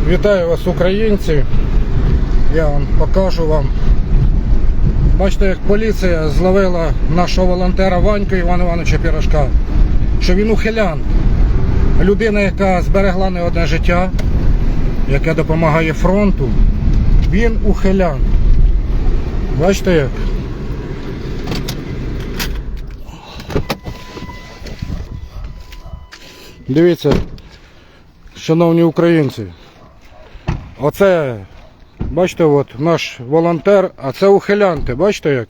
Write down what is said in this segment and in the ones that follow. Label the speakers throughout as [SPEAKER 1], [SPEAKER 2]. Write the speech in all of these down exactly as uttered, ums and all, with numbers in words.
[SPEAKER 1] Вітаю вас, українці. Я вам покажу вам. Бачите, як поліція зловила нашого волонтера Ваньку Івана Івановича Пірожка, що він ухилян. Людина, яка зберегла не одне життя, яка допомагає фронту, він ухилян. Бачите як? Дивіться, шановні українці, оце, бачите, от наш волонтер, а це ухилянти, бачите як?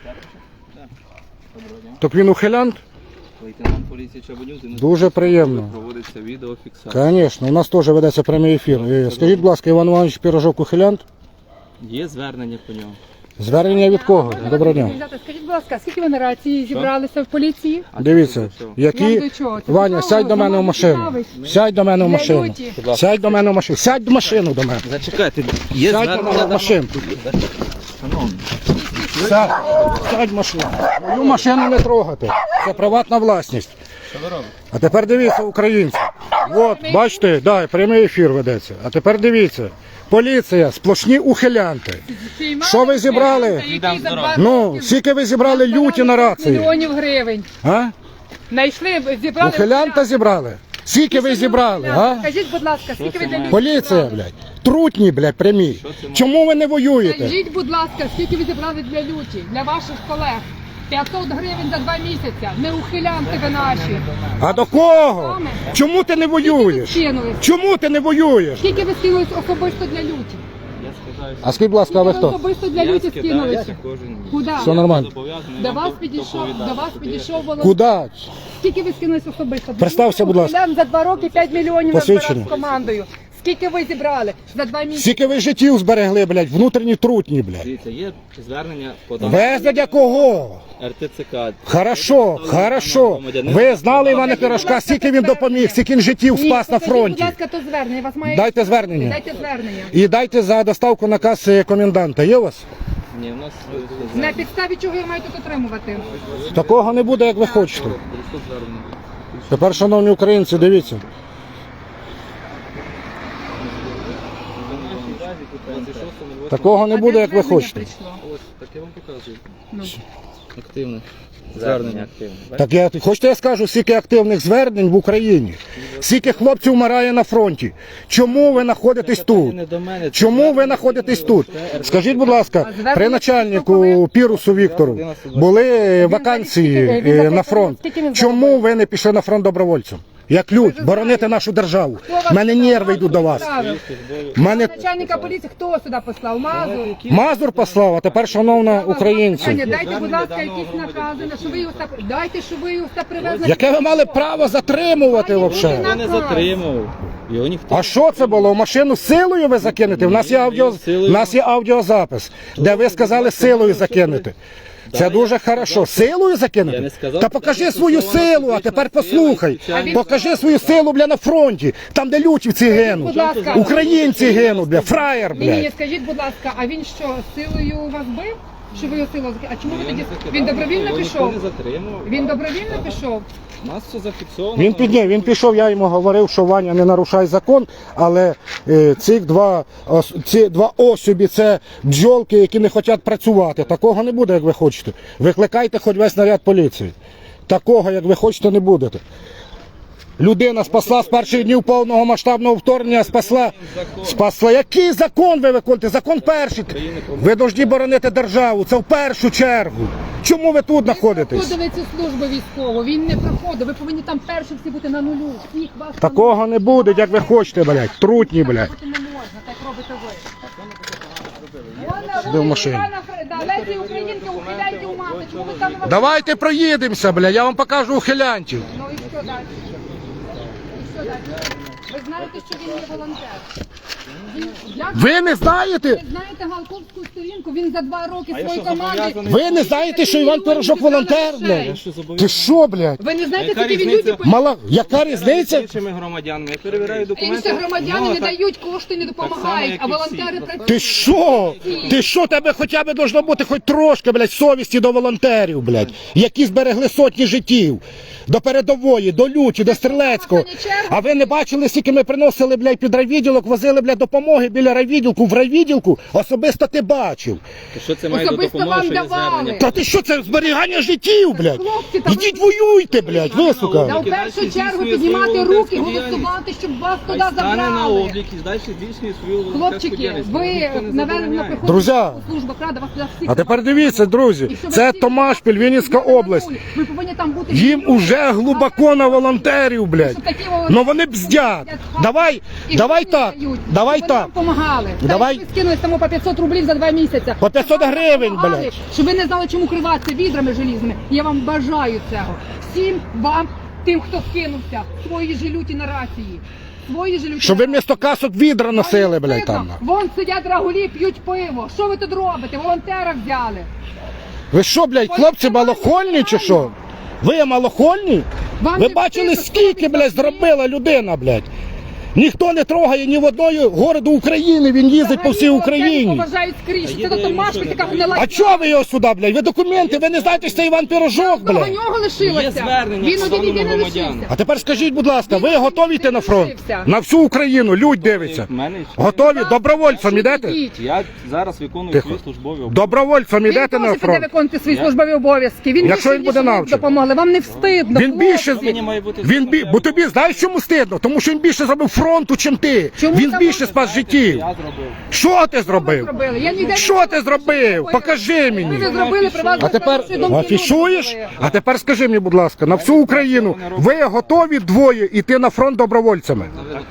[SPEAKER 1] Так він ухилянт?
[SPEAKER 2] Лейтенант поліції Чабанюк.
[SPEAKER 1] Дуже приємно.
[SPEAKER 2] Проводиться відеофіксація.
[SPEAKER 1] Звісно, у нас теж ведеться прямий ефір. Скажіть, будь ласка, Іван Іванович Пірожок ухилянт?
[SPEAKER 2] Є звернення по ньому.
[SPEAKER 1] Звернення від кого? Доброго дня.
[SPEAKER 3] Скажіть, будь ласка, скільки ви на рації зібралися в поліції?
[SPEAKER 1] Дивіться, які...
[SPEAKER 3] Вам до чого? Це
[SPEAKER 1] Ваня,
[SPEAKER 3] цікаво,
[SPEAKER 1] сядь до мене в машину.
[SPEAKER 3] цікавий.
[SPEAKER 1] Сядь до мене в
[SPEAKER 3] Для
[SPEAKER 1] машину.
[SPEAKER 3] люті.
[SPEAKER 1] Сядь до мене в машину. Сядь в машину до мене.
[SPEAKER 2] Зачекайте, є
[SPEAKER 1] Сядь до мене
[SPEAKER 2] звернення
[SPEAKER 1] в машину.
[SPEAKER 2] Шановні.
[SPEAKER 1] Сядь, сядь в машину. Мою машину не трогати. Це приватна власність.
[SPEAKER 2] Що ви робите?
[SPEAKER 1] А тепер дивіться, українці. От, бачите, да, прямий ефір ведеться. А тепер дивіться. Поліція, сплошні ухилянти. Що ви зібрали?
[SPEAKER 3] Який за два
[SPEAKER 1] Ну,
[SPEAKER 3] роки
[SPEAKER 1] скільки ви зібрали люті на рації?
[SPEAKER 3] мільйонів гривень.
[SPEAKER 1] А?
[SPEAKER 3] Знайшли, зібрали.
[SPEAKER 1] Ухилянта зібрали? Скільки ви зібрали, а?
[SPEAKER 3] Скажіть, будь ласка, скільки ви для людей
[SPEAKER 1] Поліція,
[SPEAKER 3] зібрали?
[SPEAKER 1] блядь. Трутні, блядь, прямі. Чому ви не воюєте?
[SPEAKER 3] Скажіть, будь ласка, скільки ви зібрали для люті, для ваших колег? п'ятсот гривень за два місяці. Не ухилянти ви наші.
[SPEAKER 1] А до кого? Чому ти не воюєш?
[SPEAKER 3] Скинулись.
[SPEAKER 1] Чому ти не воюєш?
[SPEAKER 3] Скільки ви скинулись особисто для люті?
[SPEAKER 2] Я скидаюся.
[SPEAKER 1] А скажіть, будь ласка, а ви
[SPEAKER 3] Скільки ви
[SPEAKER 1] хто?
[SPEAKER 3] особисто для
[SPEAKER 2] Я
[SPEAKER 3] люті скинулись?
[SPEAKER 2] скидаюся кожен місяць.
[SPEAKER 3] Куди?
[SPEAKER 1] Все нормально.
[SPEAKER 2] Зобов'язаний
[SPEAKER 3] До
[SPEAKER 2] вам
[SPEAKER 3] вас
[SPEAKER 2] доп-
[SPEAKER 3] підійшов,
[SPEAKER 2] доповідати.
[SPEAKER 3] до вас підійшов волонтер.
[SPEAKER 1] Куди?
[SPEAKER 3] Скільки ви скинулись особисто?
[SPEAKER 1] Представся, будь ласка.
[SPEAKER 3] Ухилян за два роки п'ять мільйонів
[SPEAKER 1] Посвідчення.
[SPEAKER 3] назбирав з командою. Скільки ви зібрали за два місяці?
[SPEAKER 1] Скільки ви життів зберегли, блядь, внутрішні трутні, блядь.
[SPEAKER 2] Дивіться, є звернення подано
[SPEAKER 1] Везде кого?
[SPEAKER 2] Р Т Ц К.
[SPEAKER 1] Хорошо, хорошо. Ви знали Івана Пірожка, скільки він допоміг, скільки він життів
[SPEAKER 3] Ні,
[SPEAKER 1] спас на
[SPEAKER 3] покажіть,
[SPEAKER 1] фронті.
[SPEAKER 3] будь ласка, то звернення. Вас має...
[SPEAKER 1] Дайте звернення.
[SPEAKER 3] Дайте звернення.
[SPEAKER 1] І дайте за доставку наказ е, коменданта. Є у вас?
[SPEAKER 2] Ні, у нас
[SPEAKER 3] На підставі чого я маю тут отримувати?
[SPEAKER 1] Такого не буде, як ви хочете.
[SPEAKER 2] просто звернення.
[SPEAKER 1] Тепер, шановні українці, дивіться. Такого не буде, як ви хочете.
[SPEAKER 2] Ось, так я вам показую.
[SPEAKER 3] Ну.
[SPEAKER 2] Активне. Звернення активне.
[SPEAKER 1] Так я хочете, я скажу, скільки активних звернень в Україні, скільки хлопців вмирає на фронті. Чому ви знаходитесь тут? Чому ви знаходитесь тут? Скажіть, будь ласка, при начальнику Пірусу Віктору були вакансії е, на фронт. Чому ви не пішли на фронт добровольцем? Як людь, боронити нашу державу. У мене нерви йдуть до вас. Мене
[SPEAKER 3] Начальника поліції хто сюди послав? Мазур?
[SPEAKER 1] Мазур послав, а тепер, шановна
[SPEAKER 3] Пані,
[SPEAKER 1] українці.
[SPEAKER 3] дайте, будь ласка, якісь накази, на що ви його сюди... Дайте, що ви його сюди привезли.
[SPEAKER 1] Яке ви мали право затримувати взагалі?
[SPEAKER 2] Я не затримував. Його ніхто.
[SPEAKER 1] А що це було? В машину силою ви закинете? У нас є аудіо, у нас є аудіозапис, де ви сказали силою закинути. Це дуже хорошо. Силою
[SPEAKER 2] Я
[SPEAKER 1] закинути?
[SPEAKER 2] не сказав,
[SPEAKER 1] Та покажи
[SPEAKER 2] що
[SPEAKER 1] свою
[SPEAKER 2] застосована
[SPEAKER 1] силу, а
[SPEAKER 2] фізична
[SPEAKER 1] тепер
[SPEAKER 2] сила
[SPEAKER 1] послухай.
[SPEAKER 2] і спеціальні-
[SPEAKER 1] Покажи свою силу, бля, на фронті. Там, де лютівці гинуть.
[SPEAKER 3] будь ласка.
[SPEAKER 1] Українці гинуть, бля, фраєр,
[SPEAKER 3] Ні, ні,
[SPEAKER 1] блядь.
[SPEAKER 3] скажіть, будь ласка, а він що, силою вас бив? Що ви його силою закинули? А чому ви
[SPEAKER 2] Я
[SPEAKER 3] тоді...
[SPEAKER 2] не закидав,
[SPEAKER 3] Він добровільно
[SPEAKER 2] його
[SPEAKER 3] пішов?
[SPEAKER 2] Ніхто не затримував.
[SPEAKER 3] Він добровільно пішов?
[SPEAKER 2] У нас все зафіксовано.
[SPEAKER 1] Він підняв, він пішов, я йому говорив, що Ваня не нарушає закон, але е, ці два, ос- ці два особі, це бджолки, які не хочуть працювати. Такого не буде, як ви хочете. Викликайте хоч весь наряд поліції. Такого, як ви хочете, не будете. Людина спасла з перших днів повного масштабного вторгнення, спасла, спасла. Який закон ви виконуєте? Закон перший. Ви повинні боронити державу, це в першу чергу. Чому ви тут знаходитесь?
[SPEAKER 3] Проходили цю службу військову, він не проходив. Ви повинні там перші всі бути на нулю. Всіх вас там
[SPEAKER 1] Такого не буде, як ви хочете, блядь. Трутні, блядь.
[SPEAKER 3] бути не можна, так робите ви.
[SPEAKER 1] Сиди в машині.
[SPEAKER 3] Лесі українки, ухиляйте у мати. Чому ви там не
[SPEAKER 1] Давайте проїдемося, бля, я вам покажу ухилянтів.
[SPEAKER 3] Ну і що далі? І що далі? Ви знаєте, що він є волонтер? Він, як
[SPEAKER 1] Ви не знаєте?
[SPEAKER 3] ви знаєте Галковську сторінку? Він за два роки
[SPEAKER 2] я
[SPEAKER 3] своєї
[SPEAKER 2] що,
[SPEAKER 3] команди...
[SPEAKER 2] зобов'язаний?
[SPEAKER 1] Ви не знаєте, що Іван Пірожок волонтер, блядь?
[SPEAKER 2] Що
[SPEAKER 1] Ти
[SPEAKER 2] зобов'язаний?
[SPEAKER 1] що, блядь?
[SPEAKER 3] Ви не знаєте,
[SPEAKER 2] Яка
[SPEAKER 3] скільки він
[SPEAKER 2] різниця?
[SPEAKER 3] люди...
[SPEAKER 1] Мала, яка
[SPEAKER 2] З
[SPEAKER 1] різниця?
[SPEAKER 2] іншими громадянами. Я перевіряю документи.
[SPEAKER 3] Інші громадяни
[SPEAKER 2] Ну,
[SPEAKER 3] не
[SPEAKER 2] так-
[SPEAKER 3] дають кошти, не допомагають,
[SPEAKER 2] як
[SPEAKER 3] а
[SPEAKER 2] і
[SPEAKER 3] волонтери
[SPEAKER 2] всі.
[SPEAKER 3] працюють.
[SPEAKER 1] Ти що? Ти що, тебе хоча б должно бути хоч трошки, блядь, совісті до волонтерів, блядь, які зберегли сотні життів. До передової, до люті, до стрілецького. А ви не бачили, скільки скільки ми приносили, блядь, під райвідділок, возили, блядь, допомоги біля райвідділку, в райвідділку, особисто ти бачив.
[SPEAKER 2] То що це має до
[SPEAKER 3] Особисто
[SPEAKER 2] допомоги,
[SPEAKER 3] вам
[SPEAKER 2] що є
[SPEAKER 3] давали.
[SPEAKER 2] звернення?
[SPEAKER 1] Та ти що, це зберігання життів, блядь?
[SPEAKER 3] Хлопці, та ви-
[SPEAKER 1] Ідіть воюйте, блядь, ви,
[SPEAKER 3] Та
[SPEAKER 1] сука.
[SPEAKER 3] в першу
[SPEAKER 2] Дальше
[SPEAKER 3] чергу
[SPEAKER 2] здійснює
[SPEAKER 3] піднімати
[SPEAKER 2] свою
[SPEAKER 3] руки,
[SPEAKER 2] волонтерську
[SPEAKER 3] голосувати, щоб вас
[SPEAKER 2] Хай
[SPEAKER 3] туди
[SPEAKER 2] стане на
[SPEAKER 3] забрали.
[SPEAKER 2] облік і далі здійснює свою волонтерську
[SPEAKER 3] Хлопчики,
[SPEAKER 2] діяльність.
[SPEAKER 3] ви,
[SPEAKER 2] Ніхто не
[SPEAKER 3] наверное,
[SPEAKER 2] забороняє.
[SPEAKER 3] приходите
[SPEAKER 1] Друзі,
[SPEAKER 3] в службу Рада, вас туди всіх
[SPEAKER 1] А тепер
[SPEAKER 3] забрали.
[SPEAKER 1] дивіться, друзі,
[SPEAKER 3] І щоб
[SPEAKER 1] це
[SPEAKER 3] всі-
[SPEAKER 1] Томашпіль, Вінницька область.
[SPEAKER 3] Ви повинні там бути.
[SPEAKER 1] Їм
[SPEAKER 3] люди.
[SPEAKER 1] уже глибоко на волонтерів, блядь.
[SPEAKER 3] Щоб такі волонтери
[SPEAKER 1] Ну вони бздять. Давай,
[SPEAKER 3] і
[SPEAKER 1] давай
[SPEAKER 3] гроші
[SPEAKER 1] так,
[SPEAKER 3] дають,
[SPEAKER 1] давай
[SPEAKER 3] щоб вони
[SPEAKER 1] так.
[SPEAKER 3] вам помагали.
[SPEAKER 1] Давай.
[SPEAKER 3] Ви скинули тому по п'ятсот рублів за два місяці.
[SPEAKER 1] По п'ятсот
[SPEAKER 3] Щоб вам
[SPEAKER 1] гривень,
[SPEAKER 3] помагали,
[SPEAKER 1] блядь.
[SPEAKER 3] Щоб ви не знали, чому криватися відрами желізними. Я вам бажаю цього. Всім вам, тим, хто скинувся, свої желюті на рації. Свої желюті
[SPEAKER 1] Щоб
[SPEAKER 3] на
[SPEAKER 1] ви місто касок відра
[SPEAKER 3] Вам
[SPEAKER 1] носили,
[SPEAKER 3] не
[SPEAKER 1] блядь,
[SPEAKER 3] стидно?
[SPEAKER 1] там.
[SPEAKER 3] Вон сидять рагулі, п'ють пиво. Що ви тут робите? Волонтера взяли.
[SPEAKER 1] Ви що, блядь, хлопці малохольні чи що? Ви малохольні?
[SPEAKER 3] Вам
[SPEAKER 1] Ви
[SPEAKER 3] не
[SPEAKER 1] бачили,
[SPEAKER 3] стидно,
[SPEAKER 1] скільки,
[SPEAKER 3] що ви
[SPEAKER 1] блядь, зробила людина, блядь? Ніхто не трогає ні в одної городу України, він їздить по всій Україні.
[SPEAKER 3] Поважають скрізь.
[SPEAKER 2] А
[SPEAKER 3] Це
[SPEAKER 2] є
[SPEAKER 3] до
[SPEAKER 2] де
[SPEAKER 3] Томашпіль
[SPEAKER 2] нічого
[SPEAKER 3] така
[SPEAKER 2] не
[SPEAKER 3] гнила.
[SPEAKER 1] А чого ви його сюди, блядь? Ви документи, ви не знаєте, що це Іван Пірожок,
[SPEAKER 3] До
[SPEAKER 1] блядь?
[SPEAKER 3] нього лишилося.
[SPEAKER 2] Є звернення
[SPEAKER 3] Він один
[SPEAKER 2] стосовно
[SPEAKER 3] єдиний
[SPEAKER 2] громадян.
[SPEAKER 3] лишився.
[SPEAKER 1] А тепер скажіть, будь ласка, ви
[SPEAKER 3] Він
[SPEAKER 1] готові йти на фронт?
[SPEAKER 3] лишився.
[SPEAKER 1] На всю Україну, людь дивиться.
[SPEAKER 2] В мене
[SPEAKER 1] Готові? Добровольцем ідете?
[SPEAKER 3] Ідіть.
[SPEAKER 2] я зараз виконую
[SPEAKER 1] Тихо.
[SPEAKER 2] свої службові обов'язки.
[SPEAKER 1] Добровольцем
[SPEAKER 3] Він
[SPEAKER 1] ідете на
[SPEAKER 3] теж піде
[SPEAKER 1] фронт?
[SPEAKER 3] виконувати свої
[SPEAKER 2] Я-
[SPEAKER 3] службові обов'язки. Він
[SPEAKER 1] Якщо
[SPEAKER 3] більше,
[SPEAKER 1] він буде
[SPEAKER 3] ніж ви
[SPEAKER 1] навчений.
[SPEAKER 3] допомогли. Вам не встидно.
[SPEAKER 1] Він більше,
[SPEAKER 3] хлопці.
[SPEAKER 2] Мені має бути
[SPEAKER 1] він бі, бо тобі знаєш чому стидно? Тому що він більше зробив фронту, чим ти.
[SPEAKER 3] Чому
[SPEAKER 1] Він
[SPEAKER 3] там
[SPEAKER 1] більше
[SPEAKER 3] можна
[SPEAKER 1] спас
[SPEAKER 2] Знаєте,
[SPEAKER 1] життів.
[SPEAKER 2] Я зробив.
[SPEAKER 1] Що ти зробив?
[SPEAKER 3] зробили? Я ніде не
[SPEAKER 1] Що
[SPEAKER 3] бачила,
[SPEAKER 1] ти зробив?
[SPEAKER 3] ви
[SPEAKER 1] Покажи
[SPEAKER 3] Ви
[SPEAKER 1] мені.
[SPEAKER 3] не зробили при вас.
[SPEAKER 1] А тепер
[SPEAKER 3] вашої думки
[SPEAKER 1] афішуєш?
[SPEAKER 3] люди
[SPEAKER 1] А тепер скажи мені, будь ласка, на всю Україну ви готові двоє йти на фронт добровольцями?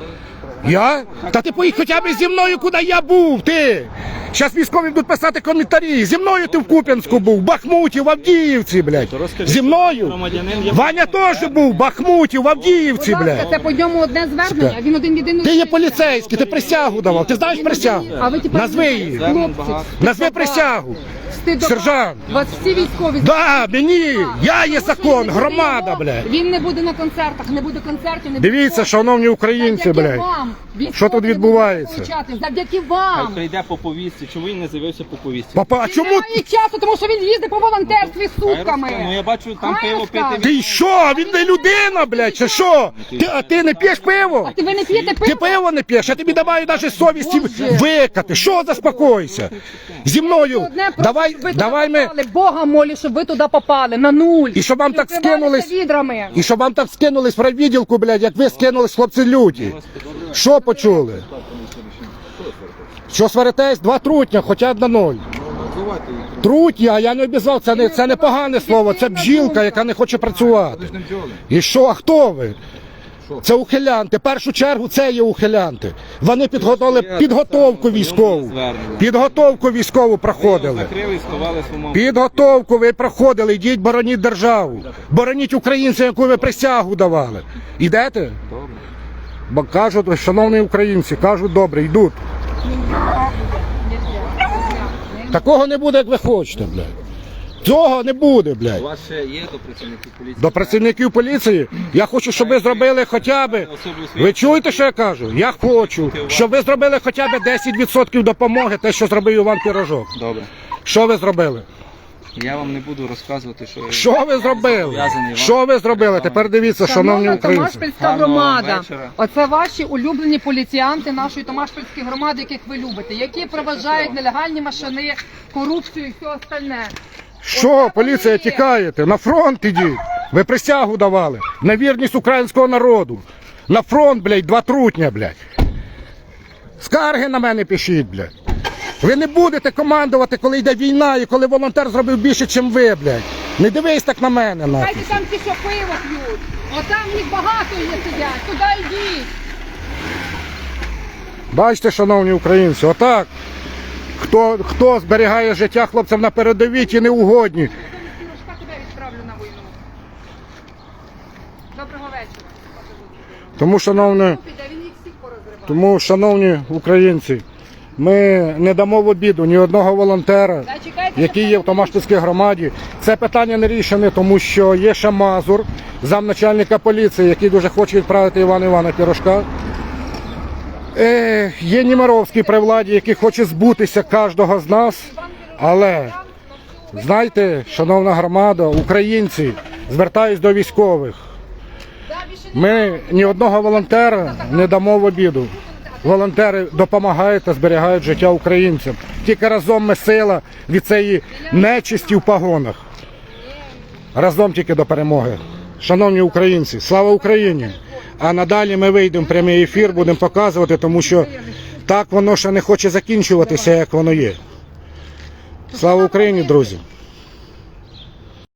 [SPEAKER 1] Я? Та ти поїдь хоча б зі мною, куди я був, ти! Зараз військові будуть писати коментарі. Зі мною ти в Куп'янську був, в Бахмуті, в Авдіївці, блядь.
[SPEAKER 2] розкажи,
[SPEAKER 1] Зі мною?
[SPEAKER 2] громадянин є-
[SPEAKER 1] Ваня теж був в Бахмуті, в Авдіївці,
[SPEAKER 3] Будь ласка,
[SPEAKER 1] блядь.
[SPEAKER 3] це по ньому одне звернення, він один єдиний.
[SPEAKER 1] Ти є
[SPEAKER 3] лишився.
[SPEAKER 1] поліцейський, ти присягу давав. Ти знаєш присягу?
[SPEAKER 3] А ви тепер
[SPEAKER 1] Назви
[SPEAKER 3] не
[SPEAKER 1] її.
[SPEAKER 3] знаєте.
[SPEAKER 2] Звернень
[SPEAKER 3] Хлопці,
[SPEAKER 2] багато.
[SPEAKER 1] Назви присягу.
[SPEAKER 3] стидоба.
[SPEAKER 1] Сержант.
[SPEAKER 3] Вас всі військові.
[SPEAKER 1] Да, мені, я є
[SPEAKER 3] Тому що
[SPEAKER 1] закон,
[SPEAKER 3] він не буде
[SPEAKER 1] громада,
[SPEAKER 3] його,
[SPEAKER 1] блядь.
[SPEAKER 3] Він не буде на концертах, не буде концертів, не буде
[SPEAKER 1] Дивіться,
[SPEAKER 3] концертів.
[SPEAKER 1] шановні українці,
[SPEAKER 3] Завдяки
[SPEAKER 1] блядь.
[SPEAKER 3] вам, військові
[SPEAKER 1] Що тут
[SPEAKER 3] не
[SPEAKER 1] відбувається?
[SPEAKER 3] будуть получати. Завдяки
[SPEAKER 2] Хай
[SPEAKER 3] вам.
[SPEAKER 2] прийде по повістці. Чому він не з'явився по повістці?
[SPEAKER 1] Папа, а
[SPEAKER 3] Він
[SPEAKER 1] чому?
[SPEAKER 3] не має часу, тому що він їздить по волонтерстві
[SPEAKER 2] Хай розкаже. Ну
[SPEAKER 3] сутками.
[SPEAKER 2] я бачу, там
[SPEAKER 3] Хай
[SPEAKER 2] пиво
[SPEAKER 3] розкаже.
[SPEAKER 2] пити.
[SPEAKER 1] Ти що? Він не людина, блядь, чи що? Ти, а ти не п'єш пиво?
[SPEAKER 3] А ти ви не п'єте
[SPEAKER 1] Ти
[SPEAKER 3] пиво?
[SPEAKER 1] пиво не п'єш, я тобі давай навіть совісті
[SPEAKER 3] Боже.
[SPEAKER 1] викати. Що заспокойся? Зі мною,
[SPEAKER 3] Одне просто,
[SPEAKER 1] давай,
[SPEAKER 3] щоб ви
[SPEAKER 1] давай
[SPEAKER 3] туди
[SPEAKER 1] ми,
[SPEAKER 3] попали. Бога молі, щоб ви туди попали, на нуль.
[SPEAKER 1] І щоб вам так
[SPEAKER 3] Прикривалися
[SPEAKER 1] скинулись.
[SPEAKER 3] відрами.
[SPEAKER 1] і щоб вам так скинулись в райвідділку, блядь, як ви скинулись, хлопці люті. Що почули? Що сваритесь? Два трутня, хоча одна ноль. Трутня, а я не обізвав, це не, це не погане слово, це бджілка, яка не хоче працювати. І що, а хто ви? Це ухилянти. В першу чергу це є ухилянти. Вони підготовили підготовку військову. Підготовку військову проходили.
[SPEAKER 2] Закрили і сховали своєму.
[SPEAKER 1] Підготовку ви проходили, йдіть бороніть державу. Бороніть українців, яку ви присягу давали. Ідете?
[SPEAKER 2] Добре.
[SPEAKER 1] Бо кажуть, шановні українці, кажуть, добре, йдуть. Такого не буде, як ви хочете, блядь. Цього не буде,
[SPEAKER 2] У
[SPEAKER 1] блядь.
[SPEAKER 2] вас ще є до працівників поліції?
[SPEAKER 1] До працівників поліції я хочу, щоб ви зробили хоча б... Ви чуєте, що я кажу? Я хочу, щоб ви зробили хоча б десять відсотків допомоги, те, що зробив Іван Пірожок.
[SPEAKER 2] Добре.
[SPEAKER 1] Що ви зробили?
[SPEAKER 2] Я вам не буду розказувати, що...
[SPEAKER 1] Що ви зробили? Що ви зробили? Тепер дивіться, шановні
[SPEAKER 3] Шановна
[SPEAKER 1] українці.
[SPEAKER 3] Томашпільська
[SPEAKER 2] Гарного
[SPEAKER 3] громада.
[SPEAKER 2] вечора.
[SPEAKER 3] Оце ваші улюблені поліціянти нашої Томашпільської громади, яких ви любите, які проважають нелегальні машини, корупцію і все остальне.
[SPEAKER 1] Що, поліція, тікаєте? На фронт ідіть. Ви присягу давали. На вірність українського народу. На фронт, блядь, два трутня, блядь. Скарги на мене пишіть, блядь. Ви не будете командувати, коли йде війна і коли волонтер зробив більше, ніж ви, блядь. Не дивись так на мене, нахуй.
[SPEAKER 3] Хайте там ті, що пиво п'ють. Отам їх багато є сидять. Туди йдіть.
[SPEAKER 1] Бачите, шановні українці, отак. Хто, хто зберігає життя хлопцям на передовій, ті неугодні.
[SPEAKER 3] Пірожка тебе відправлю на війну. Доброго вечора.
[SPEAKER 1] Тому, шановні,
[SPEAKER 3] Піде, він їх всіх порозриває.
[SPEAKER 1] тому, шановні українці, ми не дамо в обіду ні одного волонтера,
[SPEAKER 3] Та чекайте,
[SPEAKER 1] який є в Томашпільській громаді. Це питання не рішене, тому що є ще Мазур, замначальника поліції, який дуже хоче відправити Івана Івана Пірожка. Е, є Німаровський при владі, який хоче збутися кожного з нас. Але, знаєте, шановна громада, українці, звертаюсь до військових.
[SPEAKER 3] Да, більше
[SPEAKER 1] Ми ні одного волонтера не дамо в обіду. Волонтери допомагають та зберігають життя українцям. Тільки разом ми сила від цієї нечисті в погонах. Разом тільки до перемоги. Шановні українці, слава Україні! А надалі ми вийдемо в прямий ефір, будемо показувати, тому що так воно ще не хоче закінчуватися, як воно є. Слава Україні, друзі!